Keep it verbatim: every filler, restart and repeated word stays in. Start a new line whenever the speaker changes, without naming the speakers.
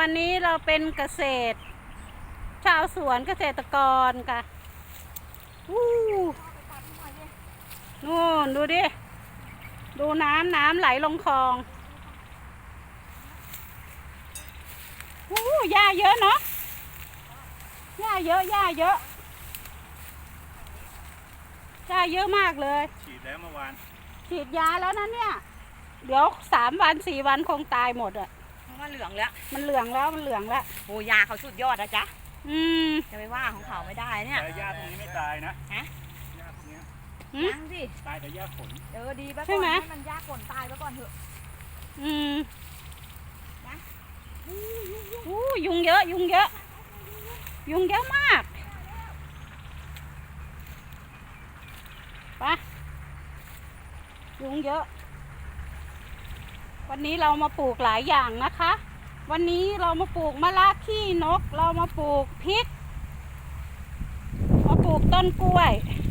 วันนี้เราเป็นเกษตรชาวสวนเกษตรกรค่ะวู้นู่นดูดิดูน้ำน้ำไหลลงคลองวู้หญ้าเยอะเนาะหญ้าเยอะหญ้าเยอะหญ้าเยอะมากเลย
ฉีดแล้วเมื่อวาน
ฉีดยาแล้วนะเนี่ยเดี๋ยวสามวันสี่วันคงตายหมดอ่ะ
มันเหลืองแล้ว
มันเหลืองแล้วมันเหลืองแล้ว
โอ้ยาเขาสุดยอดนะจ๊ะ
อืม
จะไปว่าของเขาไม่ได้เนี่ย
แต่หญ้าตรงนี้ไม่ตายนะ
ฮะ
หญ้าตรงนี้
ยังสิ
ตายแต่หญ้าฝน
เออดีไปก่อนให้มันหญ้าฝนตายไปก่อนเถอะ
อืมนะอู้ยุงเยอะยุงเยอะยุงเยอะมากไปยุงเยอะวันนี้เรามาปลูกหลายอย่างนะคะวันนี้เรามาปลูกมะระขี้นกเรามาปลูกพริกมาปลูกต้นกล้วย